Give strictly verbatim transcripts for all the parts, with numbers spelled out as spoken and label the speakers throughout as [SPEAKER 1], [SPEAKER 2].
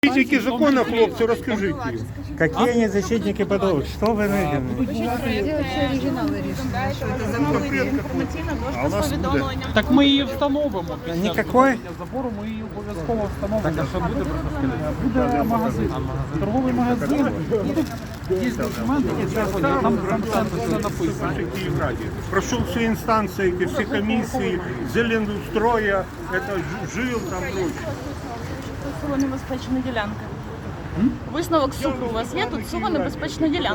[SPEAKER 1] Защитники закона, хлопцы, расскажите.
[SPEAKER 2] Какие они защитники подобных? Что вы видите?
[SPEAKER 3] Так ми її встановимо.
[SPEAKER 2] Никакой?
[SPEAKER 3] Забору ми її обов'язково встановимо. Так, а що буде просто? Буде магазин. Торговий магазин. Є документи, які треба, там там все написано.
[SPEAKER 1] Прошел все инстанции, эти все комиссии, Зеленстроя, это ж- жил там прочее.
[SPEAKER 4] Сума небезпечна ділянка. Висновок суду у вас є, тут сума небезпечна ділянка.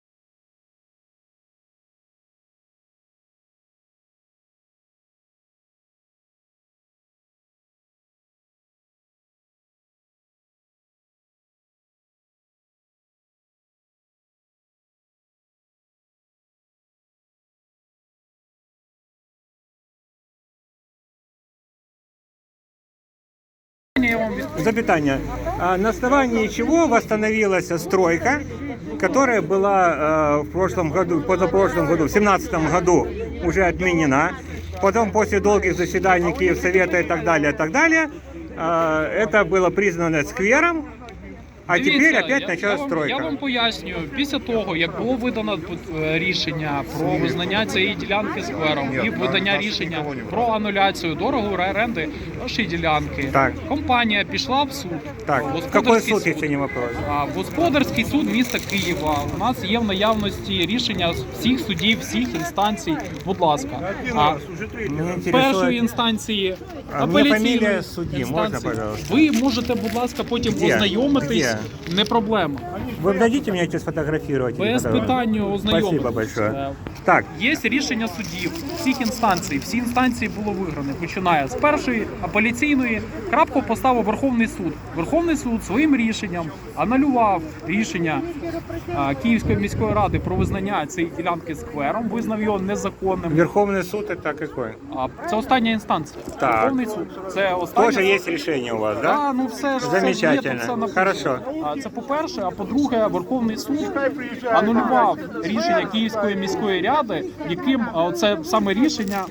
[SPEAKER 2] Запятание. А на основании чего восстановилась стройка, которая была э, в прошлом году, позапрошлом году, в семнадцатом году уже отменена. Потом после долгих заседаний Киевсовета и так далее, и так далее, э, это было признано сквером. А
[SPEAKER 3] Дивіться,
[SPEAKER 2] тепер опять
[SPEAKER 3] я,
[SPEAKER 2] почалась
[SPEAKER 3] я вам,
[SPEAKER 2] стройка.
[SPEAKER 3] Я вам пояснюю, після того, як було видано е, рішення про визнання цієї ділянки сквером і видання рішення про ануляцію договору оренди нашої ділянки,
[SPEAKER 2] Так.
[SPEAKER 3] компанія пішла в суд.
[SPEAKER 2] Так,
[SPEAKER 3] Господарський
[SPEAKER 2] какой суд, если не вопрос?
[SPEAKER 3] А, Господарський суд міста Києва. У нас є в наявності рішення з всіх судів, всіх інстанцій. Будь ласка.
[SPEAKER 1] Один
[SPEAKER 3] А,
[SPEAKER 1] раз, уже третий
[SPEAKER 2] Мне
[SPEAKER 1] раз.
[SPEAKER 3] з першої
[SPEAKER 2] интересует...
[SPEAKER 3] інстанції,
[SPEAKER 2] А мені
[SPEAKER 3] апеляційної
[SPEAKER 2] фамілія судді, можна,
[SPEAKER 3] інстанції.
[SPEAKER 2] пожалуйста?
[SPEAKER 3] Ви можете, будь ласка, потім
[SPEAKER 2] Де?
[SPEAKER 3] ознайомитись.
[SPEAKER 2] Де?
[SPEAKER 3] Не проблема.
[SPEAKER 2] Вы дадите мне эти сфотографировать? или
[SPEAKER 3] Без
[SPEAKER 2] фотографировать?
[SPEAKER 3] питання ознайомитись.
[SPEAKER 2] Спасибо большое.
[SPEAKER 3] Е,
[SPEAKER 2] Так,
[SPEAKER 3] Є рішення судів всіх інстанцій. Всі інстанції було виграно. Починає з першої апеляційної. Крапку поставив Верховний суд. Верховний суд своїм рішенням анулював рішення а, Київської міської ради про визнання цієї ділянки сквером, визнав його незаконним.
[SPEAKER 2] Верховный суд это какой?
[SPEAKER 3] А, це остання інстанція.
[SPEAKER 2] Так.
[SPEAKER 3] Верховний суд. Це остання.
[SPEAKER 2] Тоже есть решение у вас, да?
[SPEAKER 3] А, ну все ж
[SPEAKER 2] Замечательно.
[SPEAKER 3] Це, є, тут все написано.
[SPEAKER 2] Хорошо.
[SPEAKER 3] А, це по-перше, а по-друге, Верховний суд анулював рішення Київської міської ради, яким а, це саме рішення,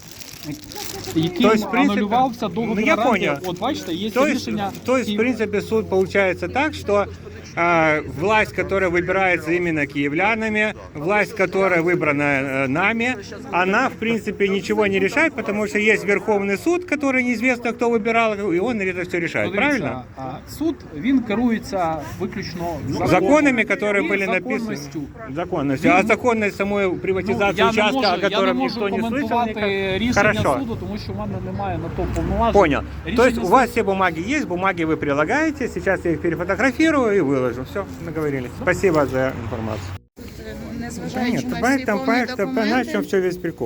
[SPEAKER 3] яким
[SPEAKER 2] То есть, в принципе,
[SPEAKER 3] анулювався договір
[SPEAKER 2] ну, я
[SPEAKER 3] оренди.
[SPEAKER 2] понял.
[SPEAKER 3] От бачите, є
[SPEAKER 2] То есть,
[SPEAKER 3] рішення.
[SPEAKER 2] то есть, в
[SPEAKER 3] Київ-
[SPEAKER 2] принципе, суд получается так, что э, власть, которая выбирается именно киевлянами, власть, которая выбрана э, нами, она, в принципе, ничего не решает, потому что есть Верховный суд, который неизвестно, кто выбирал, и он это все решает,
[SPEAKER 3] Подивіться,
[SPEAKER 2] правильно?
[SPEAKER 3] а, суд, він керується виключно
[SPEAKER 2] Законами, которые
[SPEAKER 3] і
[SPEAKER 2] были написаны.
[SPEAKER 3] законністю.
[SPEAKER 2] Законностью. А законность самой приватизации
[SPEAKER 3] Ну, я не
[SPEAKER 2] участка,
[SPEAKER 3] можу,
[SPEAKER 2] о
[SPEAKER 3] я не
[SPEAKER 2] котором
[SPEAKER 3] можу
[SPEAKER 2] никто не слышал.
[SPEAKER 3] коментувати
[SPEAKER 2] никак.
[SPEAKER 3] рішення
[SPEAKER 2] Хорошо.
[SPEAKER 3] суду, тому що в мене немає на то повноважень.
[SPEAKER 2] Понял.
[SPEAKER 3] Рішення
[SPEAKER 2] То есть у
[SPEAKER 3] суду-
[SPEAKER 2] вас все бумаги есть, бумаги вы прилагаете, сейчас я их перефотографирую и выложу. Все, договорились. Спасибо за информацию.
[SPEAKER 5] Незважаючи
[SPEAKER 2] Нет,
[SPEAKER 5] на
[SPEAKER 2] поэтому,
[SPEAKER 5] всі повні
[SPEAKER 2] поэтому,
[SPEAKER 5] документи.
[SPEAKER 2] на чем все весь прикол.